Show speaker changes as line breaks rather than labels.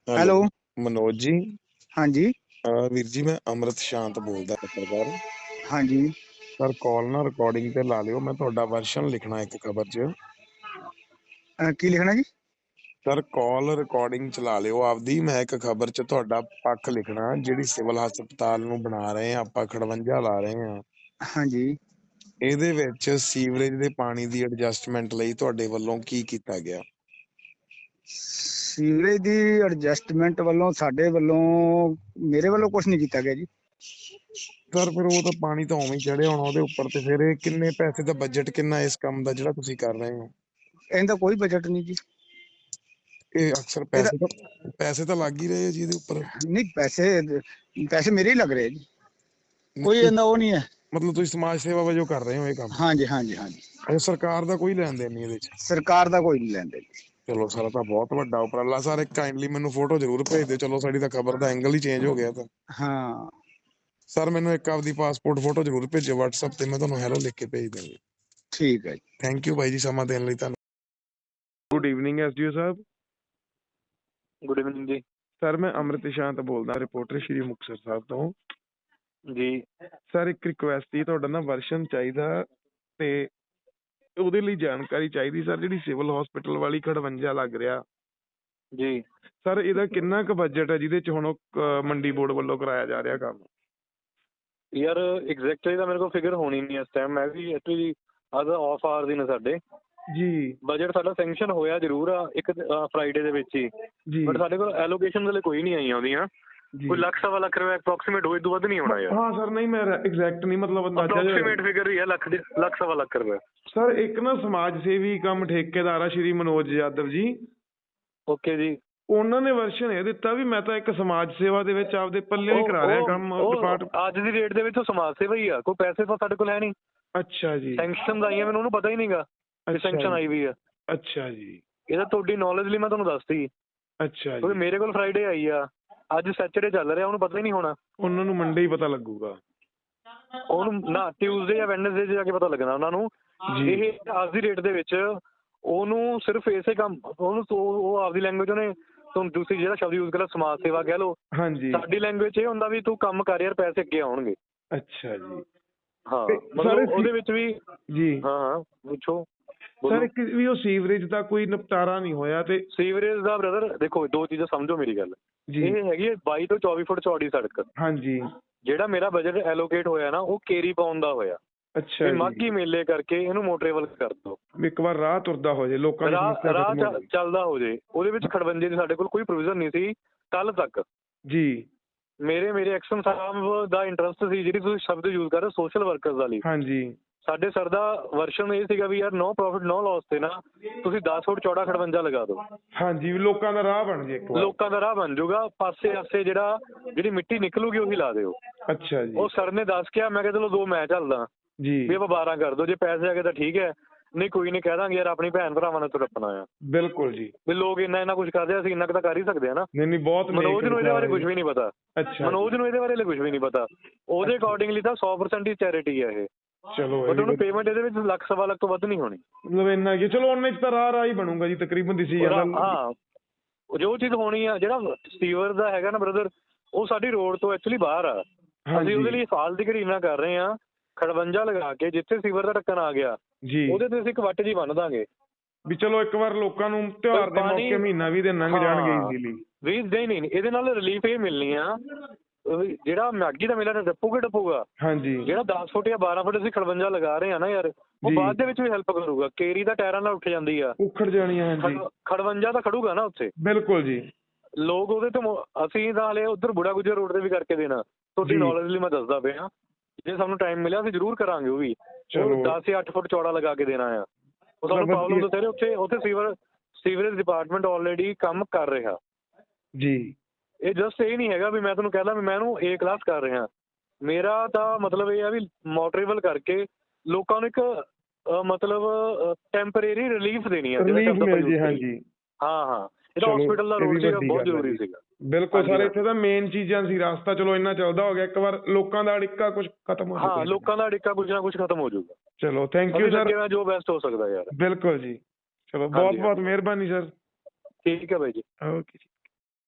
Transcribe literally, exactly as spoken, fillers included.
Hello,
hello.
Manoj ਜੀ।
ਹਾਂਜੀ।
ਅਹ ਵੀਰ ਜੀ, ਮੈਂ ਅੰਮ੍ਰਿਤ ਸ਼ਾਂਤ ਬੋਲਦਾ ਪੱਤਰਕਾਰ।
ਹਾਂਜੀ।
ਸਰ, ਕਾਲ ਨਾ ਰਿਕਾਰਡਿੰਗ ਤੇ ਲਾ ਲਿਓ। ਮੈਂ ਤੁਹਾਡਾ ਵਰਸ਼ਨ ਲਿਖਣਾ ਇੱਕ ਖਬਰ 'ਚ।
ਅਹ ਕੀ ਲਿਖਣਾ ਜੀ?
ਸਰ, ਕਾਲ ਰਿਕਾਰਡਿੰਗ ਚਲਾ ਲਿਓ ਆਪਦੀ। ਮੈਂ ਇੱਕ ਖਬਰ 'ਚ ਤੁਹਾਡਾ ਪੱਖ ਲਿਖਣਾ, ਜਿਹੜੀ ਸਿਵਲ ਹਸਪਤਾਲ ਨੂੰ ਬਣਾ ਰਹੇ ਆ ਆਪਾਂ, ਖੜਵੰਜਾ ਲਾ ਰਹੇ ਆ।
ਹਾਂਜੀ।
ਇਹਦੇ ਵਿੱਚ ਸੀਵਰੇਜ ਦੇ ਪਾਣੀ ਦੀ ਐਡਜਸਟਮੈਂਟ ਲਈ ਤੁਹਾਡੇ ਵੱਲੋਂ ਕੀ ਕੀਤਾ ਗਿਆ?
ਸੀਵਰੇਜ ਦੀ ਐਡਜਸਟਮੈਂਟ ਵੱਲੋਂ ਸਾਡੇ ਵੱਲੋਂ ਮੇਰੇ ਵੱਲੋਂ ਕੁਝ ਨਹੀਂ ਕੀਤਾ ਗਿਆ ਜੀ।
ਸਰ, ਫਿਰ ਉਹ ਤਾਂ ਪਾਣੀ ਤਾਂ ਉਵੇਂ ਹੀ ਚੜਿਆ ਹੋਣਾ ਉਹਦੇ ਉੱਪਰ। ਤੇ ਫਿਰ ਇਹ ਕਿੰਨੇ ਪੈਸੇ ਦਾ ਬਜਟ ਕਿੰਨਾ ਇਸ ਕੰਮ ਦਾ ਜਿਹੜਾ ਤੁਸੀਂ ਕਰ ਰਹੇ ਹੋ?
ਇਹਦਾ ਕੋਈ ਬਜਟ ਨਹੀਂ ਜੀ।
ਇਹ ਅਕਸਰ
ਇਹਦਾ
ਪੈਸੇ ਤਾਂ ਪੈਸੇ ਤਾਂ ਲੱਗ ਹੀ ਰਹੇ ਆ ਜੀ ਇਹਦੇ ਉੱਪਰ।
ਨਹੀਂ, ਪੈਸੇ ਪੈਸੇ ਮੇਰੇ ਹੀ ਲੱਗ ਰਹੇ ਜੀ। ਕੋਈ
ਨਹੀਂ,
ਇਹਦਾ ਉਹ ਨਹੀਂ ਹੈ।
ਮਤਲਬ ਤੁਸੀਂ ਸਮਾਜ ਸੇਵਾ ਵਜੋਂ ਕਰ ਰਹੇ ਹੋ ਇਹ ਕੰਮ?
ਹਾਂਜੀ ਹਾਂਜੀ ਹਾਂਜੀ।
ਅੱਛਾ, ਸਰਕਾਰ ਦਾ ਕੋਈ ਲੈਣ ਦੇਣ ਨਹੀਂ ਇਹਦੇ 'ਚ?
ਸਰਕਾਰ ਦਾ ਕੋਈ ਨਹੀਂ ਲੈਂਦੇ ਜੀ।
ਚਲੋ ਸਰ, ਤਾਂ ਬਹੁਤ ਵੱਡਾ ਉਪਰਾਲਾ ਸਰ। ਇੱਕ ਕਾਈਂਡਲੀ ਮੈਨੂੰ ਫੋਟੋ ਜ਼ਰੂਰ ਭੇਜ ਦਿਓ। ਚਲੋ, ਸਾਡੀ ਤਾਂ ਖਬਰ ਦਾ ਐਂਗਲ ਹੀ ਚੇਂਜ ਹੋ ਗਿਆ ਤਾਂ।
ਹਾਂ।
ਸਰ, ਮੈਨੂੰ ਇੱਕ ਆਪਦੀ ਪਾਸਪੋਰਟ ਫੋਟੋ ਜ਼ਰੂਰ ਭੇਜਿਓ WhatsApp ਤੇ। ਮੈਂ ਤੁਹਾਨੂੰ ਹੈਲੋ ਲਿਖ ਕੇ ਭੇਜ ਦਾਂਗੀ।
ਠੀਕ ਹੈ ਜੀ।
ਥੈਂਕ ਯੂ ਬਾਈ ਜੀ, ਸਮਾਂ ਦੇਣ ਲਈ ਤੁਹਾਨੂੰ। ਗੁੱਡ ਈਵਨਿੰਗ ਐਸਡੀਓ ਸਾਹਿਬ।
ਗੁੱਡ ਇਵਨਿੰਗ ਜੀ।
ਸਰ, ਮੈਂ ਅੰਮ੍ਰਿਤ ਸ਼ਾਂਤ ਬੋਲਦਾ, ਰਿਪੋਰਟਰ ਸ਼੍ਰੀ ਮੁਕਤਸਰ ਸਾਹਿਬ ਤੋਂ
ਜੀ
ਸਰ। ਇੱਕ ਰਿਕੁਐਸਟ ਸੀ, ਤੁਹਾਡਾ ਨਾ ਵਰਸ਼ਨ ਚਾਹੀਦਾ ਤੇ ਉਹਦੇ ਲਈ ਜਾਣਕਾਰੀ ਚਾਹੀਦੀ ਸਰ। ਜਿਹੜੀ ਸਿਵਲ ਹਸਪੀਟਲ ਵਾਲੀ ਖੜਵੰਜਾ ਲੱਗ ਰਿਹਾ
ਜੀ
ਸਰ, ਇਹਦਾ ਕਿੰਨਾ ਕੁ ਬਜਟ ਹੈ ਜਿਹਦੇ 'ਚ ਹੁਣ ਉਹ ਅਹ ਮੰਡੀ ਬੋਰਡ ਵੱਲੋਂ ਕਰਾਇਆ ਜਾ ਰਿਹਾ ਕੰਮ?
ਯਾਰ, ਐਗਜ਼ੈਕਟਲੀ ਤਾਂ ਮੇਰੇ ਕੋਲ ਫਿਗਰ ਹੋਣੀ ਨਹੀਂ ਇਸ ਟਾਈਮ। ਮੈਂ ਵੀ ਐਕਚੁਅਲੀ ਅੱਜ ਆਫ ਆਰ ਦੀ ਨੇ ਸਾਡੇ।
ਜੀ
ਬਜਟ ਸਾਡਾ ਸੈਂਕਸ਼ਨ ਹੋਇਆ ਜ਼ਰੂਰ ਆ ਇੱਕ ਫਰਾਈਡੇ ਦੇ ਵਿੱਚ ਹੀ,
ਜੀ
ਬਟ ਸਾਡੇ ਕੋਲ ਐਲੋਕੇਸ਼ਨ ਹਲੇ ਕੋਈ ਨਹੀਂ ਆਈਆਂ ਉਹਦੀਆਂ।
ਜੀ।
ਕੋਈ ਲੱਖ ਸਵਾ ਲੱਖ ਰੁਪਏ ਅਪਰੋਕਸੀਮੇਟ ਹੋਏ, ਤੋਂ ਵੱਧ ਨਹੀਂ ਹੋਣਾ ਯਾਰ।
ਹਾਂ ਸਰ, ਨਹੀਂ ਮੈਂ ਐਗਜ਼ੈਕਟ ਨਹੀਂ, ਮਤਲਬ ਅੰਦਾਜ਼ਾ ਜਿਹਾ।
ਅਪਰੋਕਸੀਮੇਟ ਫਿਗਰ ਹੀ ਹੈ ਲੱਖ ਦੇ ਲੱਖ ਸਵਾ ਲੱਖ ਰੁਪਏ।
ਸਰ, ਇੱਕ ਨਾ ਸਮਾਜ ਸੇਵੀ ਕੰਮ ਠੇਕੇਦਾਰ ਆ ਸ਼੍ਰੀ ਮਨੋਜ ਯਾਦਵ ਜੀ।
ਓਕੇ ਜੀ।
ਉਹਨਾਂ ਨੇ ਵਰਸ਼ਨ ਇਹ ਦਿੱਤਾ ਵੀ ਮੈਂ ਤਾਂ ਇੱਕ ਸਮਾਜ ਸੇਵਾ ਦੇ ਵਿੱਚ ਆਪਦੇ ਪੱਲੇ ਹੀ ਕਰਾ ਰਿਹਾ ਕੰਮ। ਡਿਪਾਰਟ
ਅੱਜ ਦੀ ਡੇਟ ਦੇ ਵਿੱਚ ਉਹ ਸਮਾਜ ਸੇਵਾ ਹੀ ਆ। ਕੋਈ ਪੈਸੇ ਤਾਂ ਸਾਡੇ ਕੋਲ ਹੈ ਨਹੀਂ।
ਅੱਛਾ ਜੀ।
ਸੈਂਕਸ਼ਨ ਆਈਆਂ, ਮੈਨੂੰ ਉਹਨੂੰ ਪਤਾ ਹੀ ਨਹੀਂਗਾ ਕਿ ਸੈਂਕਸ਼ਨ ਆਈ ਵੀ ਆ।
ਅੱਛਾ ਜੀ।
ਇਹ ਤਾਂ ਤੁਹਾਡੀ ਨੌਲੇਜ ਲਈ ਮੈਂ ਤੁਹਾਨੂੰ ਦੱਸਤੀ।
ਅੱਛਾ
ਕਿਉਂਕਿ
ਜੀ।
ਮੇਰੇ ਕੋਲ ਫਰਾਈਡੇ ਆਈ ਆ, ਅੱਜ ਸੈਚਰਡੇ ਚੱਲ ਰਿਹਾ, ਉਹਨੂੰ ਪਤਾ ਹੀ ਨਹੀਂ ਹੋਣਾ।
ਉਹਨਾਂ ਨੂੰ ਮੰਡੇ ਹੀ ਪਤਾ ਲੱਗੂਗਾ।
ਉਹਨੂੰ ਨਾ ਟਿਊਜ਼ਡੇ ਜਾਂ ਵੈਡਨਸਡੇ 'ਚ ਜਾ ਕੇ ਪਤਾ ਲੱਗਣਾ ਉਹਨਾਂ ਨੂੰ।
ਜੀ।
ਇਹ ਅੱਜ ਦੀ ਡੇਟ ਦੇ ਵਿੱਚ ਉਹਨੂੰ ਸਿਰਫ ਇਸੇ ਕੰਮ ਉਹਨੂੰ ਉਹ ਆਪਦੀ ਲੈਂਗੁਏਜ ਉਹਨੇ ਤੁਹਾਨੂੰ ਦੂਸਰੀ ਜਿਹੜਾ ਸ਼ਬਦ ਯੂਜ਼ ਕਰਿਆ ਸਮਾਜ ਸੇਵਾ ਕਹਿ ਲਓ।
ਹਾਂਜੀ।
ਸਾਡੀ ਲੈਂਗੁਏਜ ਇਹ ਹੁੰਦਾ ਵੀ ਤੂੰ ਕੰਮ ਕਰ ਯਾਰ, ਪੈਸੇ ਅੱਗੇ ਆਉਣਗੇ।
ਅੱਛਾ ਜੀ।
ਹਾਂ,
ਤੇ
ਮਤਲਬ
ਸਾਰੇ
ਉਹਦੇ ਵਿੱਚ ਵੀ।
ਜੀ।
ਹਾਂ ਹਾਂ ਪੁੱਛੋ।
ਸਰ, ਇੱਕ ਵੀ ਉਹ ਸੀਵਰੇਜ ਦਾ ਕੋਈ ਨਿਪਟਾਰਾ ਨਹੀਂ ਹੋਇਆ ਤੇ
ਸੀਵਰੇਜ ਦਾ ਬ੍ਰਦਰ ਦੇਖੋ, ਦੋ ਚੀਜ਼ਾਂ ਸਮਝੋ ਮੇਰੀ ਗੱਲ।
ਜੀ।
ਇਹ ਹੈਗੀ ਹੈ ਬਾਈ ਤੋਂ ਚੌਵੀ ਫੁੱਟ ਚੌੜੀ ਸੜਕ।
ਹਾਂਜੀ।
ਜਿਹੜਾ ਮੇਰਾ ਬਜਟ ਐਲੋਕੇਟ ਹੋਇਆ ਨਾ, ਉਹ ਕੇਰੀ ਪਾਉਣ ਦਾ ਹੋਇਆ।
ਅੱਛਾ ਜੀ।
ਮਾਘੀ ਮੇਲੇ ਕਰਕੇ ਇਹਨੂੰ ਮੋਟਰੇਬਲ ਕਰ ਦੋ।
ਇੱਕ ਵਾਰ ਰਾਹ ਤੁਰਦਾ ਹੋ ਜੇ, ਲੋਕਾਂ ਦੀ
ਰਾਹ
ਸਮੱਸਿਆ
ਰਾਹ
ਖਤਮ ਹੋ ਜਾਏ।
ਚੱਲਦਾ ਹੋ ਜੇ। ਉਹਦੇ ਵਿੱਚ ਖੜਵੰਜੇ ਦੀ ਸਾਡੇ ਕੋਲ ਕੋਈ ਪ੍ਰੋਵੀਜ਼ਨ ਨਹੀਂ ਸੀ ਕੱਲ ਤੱਕ।
ਜੀ।
ਮੇਰੇ ਮੇਰੇ ਐਕਸ਼ਨ ਸਾਹਿਬ ਦਾ ਇੰਟਰਸਟ ਸੀ, ਜਿਹੜੀ ਤੁਸੀਂ ਸ਼ਬਦ ਯੂਜ਼ ਕਰ ਰਹੇ ਸੋਸ਼ਲ ਵਰਕਰਸ ਵਾਲੀ।
ਹਾਂਜੀ।
ਸਾਡੇ ਸਰ ਦਾ ਵਰਸ਼ਨ ਇਹ ਸੀਗਾ ਵੀ ਯਾਰ ਨੋ ਪ੍ਰੋਫਿਟ ਨੋ ਲਾਸ ਤੇ ਨਾ ਤੁਸੀਂ ਦਸ ਫੁੱਟ ਚੌੜਾ ਖੜਵੰਜਾ ਲਗਾ ਦਿਓ।
ਹਾਂਜੀ, ਵੀ ਲੋਕਾਂ ਦਾ ਰਾਹ ਬਣ ਜੇ ਇੱਕ ਵਾਰ।
ਲੋਕਾਂ ਦਾ ਰਾਹ ਬਣ ਜਾਊਗਾ। ਪਾਸੇ ਆਸੇ ਜਿਹੜਾ ਜਿਹੜੀ ਮਿੱਟੀ ਨਿਕਲੂਗੀ ਉਹੀ ਲਾ ਦਿਓ।
ਅੱਛਾ ਜੀ।
ਉਹ ਸਰ ਨੇ ਦੱਸ ਕੇ ਮੈਂ ਕਿਹਾ ਚਲੋ ਦੋ ਮੈਂ ਚੱਲਦਾ
ਜੀ।
ਵੀ ਆਪਾਂ ਬਾਰਾਂ ਕਰ ਦਿਓ। ਜੇ ਪੈਸੇ ਆ ਗਏ ਤਾਂ ਠੀਕ ਹੈ, ਨਹੀਂ ਕੋਈ ਨਹੀਂ ਕਹਿ ਦਾਂਗੇ ਯਾਰ ਆਪਣੀ ਭੈਣ ਭਰਾਵਾਂ ਨੇ ਤੁਰਪਣਾ ਆ।
ਬਿਲਕੁਲ ਜੀ।
ਵੀ ਲੋਕ ਇੰਨਾ ਇੰਨਾ ਕੁਝ ਕਰਦੇ ਆ, ਅਸੀਂ ਇੰਨਾ ਕੁ ਤਾਂ ਕਰ ਹੀ ਸਕਦੇ ਆ ਨਾ।
ਨਹੀਂ ਨਹੀਂ, ਬਹੁਤ
ਮਨੋਜ ਨੂੰ ਇਹਦੇ ਬਾਰੇ ਕੁਝ ਵੀ ਨਹੀਂ ਪਤਾ।
ਅੱਛਾ।
ਮਨੋਜ ਨੂੰ ਇਹਦੇ ਬਾਰੇ ਕੁਝ ਵੀ ਨਹੀਂ ਪਤਾ। ਉਹਦੇ ਅਕੋਰਡਿੰਗਲੀ ਤਾਂ ਸੌ ਪਰਸੈਂਟ ਹੀ ਚੈਰਿਟੀ ਆ ਇਹ।
ਚਲੋ,
ਬਟ ਉਹਨੂੰ ਪੇਮੈਂਟ ਇਹਦੇ ਵਿੱਚ ਲੱਖ ਸਵਾ ਲੱਖ ਤੋਂ ਵੱਧ ਨਹੀਂ ਹੋਣੀ।
ਮਤਲਬ ਇੰਨਾ ਕੀ, ਚਲੋ ਉਹਨੇ ਚ ਤਾਂ ਰਾਹ ਰਾਹ ਹੀ ਬਣੂਗਾ ਜੀ ਤਕਰੀਬਨ ਦਿਸੀ ਜਾਂਦਾ।
ਹਾਂ, ਜੋ ਚੀਜ਼ ਹੋਣੀ ਆ, ਜਿਹੜਾ ਸੀਵਰ ਦਾ ਹੈਗਾ ਨਾ ਬ੍ਰਦਰ, ਉਹ ਸਾਡੀ ਰੋਡ ਤੋਂ ਐਕਚੁਅਲੀ ਬਾਹਰ ਆ। ਅਸੀਂ ਉਹਦੇ ਲਈ ਫਾਲਤੂ ਘਰੀਨਾ ਕਰ ਰਹੇ ਹਾਂ। ਖੜਵੰਜਾ ਲਗਾ ਕੇ ਜਿੱਥੇ ਸੀਵਰ ਦਾ ਢੱਕਣ ਆ ਗਿਆ
ਜੀ,
ਉਹਦੇ ਤੇ ਅਸੀਂ ਇੱਕ ਵੱਟ ਜੀ ਬੰਨ ਦਾਂਗੇ
ਵੀ ਚਲੋ ਇੱਕ ਵਾਰ ਲੋਕਾਂ ਨੂੰ ਤਿਉਹਾਰ ਦੇ ਮੌਕੇ ਮਹੀਨਾ ਵੀ ਦਿਨ ਲੰਘ ਜਾਣਗੇ ਈਜ਼ੀਲੀ।
ਵੀ ਨਹੀਂ ਨਹੀਂ, ਇਹਦੇ ਨਾਲ ਰਿਲੀਫ ਇਹ ਮਿਲਣੀ ਆ, ਜਿਹੜਾ ਮਾਘੀ ਦਾ ਮੇਲਾ ਟੱਪੂਗਾ ਟੱਪੂਗਾ।
ਹਾਂਜੀ।
ਜਿਹੜਾ ਦਸ ਫੁੱਟ ਜਾਂ ਬਾਰਾਂ ਫੁੱਟ ਅਸੀਂ ਖੜਵੰਜਾ ਲਗਾ ਰਹੇ ਹਾਂ ਨਾ ਯਾਰ, ਉਹ ਬਾਅਦ ਦੇ ਵਿੱਚ ਵੀ ਹੈਲਪ ਕਰੂਗਾ। ਕੇਰੀ ਦਾ ਟਾਇਰਾਂ ਨਾਲ ਉੱਠ ਜਾਂਦੀ ਆ,
ਉਖੜ ਜਾਣੀ ਆ। ਹਾਂਜੀ,
ਖੜਵੰਜਾ ਤਾਂ ਖੜੂਗਾ ਨਾ ਉੱਥੇ।
ਬਿਲਕੁਲ ਜੀ।
ਲੋਕ ਉਹਦੇ ਤੋਂ ਅਸੀਂ ਤਾਂ ਹਲੇ ਉੱਧਰ ਬੁੜਾ ਗੁੱਜਰ ਰੋਡ ਤੇ ਵੀ ਕਰਕੇ ਦੇਣਾ। ਤੁਹਾਡੀ ਨੌਲੇਜ ਲਈ ਮੈਂ ਦੱਸਦਾ ਪਿਆ। ਜੇ ਸਾਨੂੰ ਟਾਈਮ ਮਿਲਿਆ ਅਸੀਂ ਜ਼ਰੂਰ ਕਰਾਂਗੇ। ਉਹ ਵੀ ਦਸ ਜਾਂ ਅੱਠ ਫੁੱਟ ਚੌੜਾ ਲਗਾ ਕੇ ਦੇਣਾ ਆ। ਉਹ ਤੁਹਾਨੂੰ ਪ੍ਰੋਬਲਮ ਦੱਸ ਰਹੇ ਉੱਥੇ ਉੱਥੇ ਸੀਵਰ ਸੀਵਰੇਜ ਡਿਪਾਰਟਮੈਂਟ ਆਲਰੇਡੀ ਕੰਮ ਕਰ ਰਿਹਾ
ਜੀ।
ਇਹ ਜਸਟ ਇਹ ਨਹੀਂ ਹੈਗਾ ਵੀ ਮੈਂ ਤੁਹਾਨੂੰ ਕਹਿ ਦਾਂ ਵੀ ਮੈਂ ਇਹਨੂੰ ਏ ਕਲਾਸ ਕਰ ਰਿਹਾ। ਮੇਰਾ ਤਾਂ ਮਤਲਬ ਇਹ ਆ ਵੀ ਮੋਟਰੇਬਲ ਕਰਕੇ ਲੋਕਾਂ ਨੂੰ ਇੱਕ ਮਤਲਬ ਟੈਂਪਰੇਰੀ ਰਿਲੀਫ ਦੇਣੀ ਆ।
ਹਾਂਜੀ
ਹਾਂ ਹਾਂ, ਇਹਦਾ ਹਸਪੀਟਲ ਦਾ ਰੋਡ ਸੀਗਾ, ਬਹੁਤ ਜ਼ਰੂਰੀ ਸੀਗਾ।
ਬਿਲਕੁਲ ਸਰ, ਇੱਥੇ ਤਾਂ ਮੇਨ ਚੀਜ਼ਾਂ ਸੀ। ਰਸਤਾ ਚਲੋ ਇੰਨਾ ਚੱਲਦਾ ਹੋ ਗਿਆ, ਇੱਕ ਵਾਰ ਲੋਕਾਂ ਦਾ ਅੜਿੱਕਾ ਕੁਝ ਖਤਮ ਹੋ ਜਾਊਗਾ।
ਹਾਂ, ਲੋਕਾਂ ਦਾ ਅੜਿੱਕਾ ਕੁਝ ਨਾ ਕੁਝ ਖਤਮ ਹੋ ਜਾਊਗਾ।
ਚਲੋ, ਥੈਂਕ ਯੂ ਸਰ।
ਜੋ ਬੈਸਟ ਹੋ ਸਕਦਾ ਯਾਰ।
ਬਿਲਕੁਲ ਜੀ। ਚਲੋ, ਬਹੁਤ ਬਹੁਤ ਮਿਹਰਬਾਨੀ ਸਰ।
ਠੀਕ ਹੈ ਬਾਈ ਜੀ।
ਓਕੇ ਜੀ।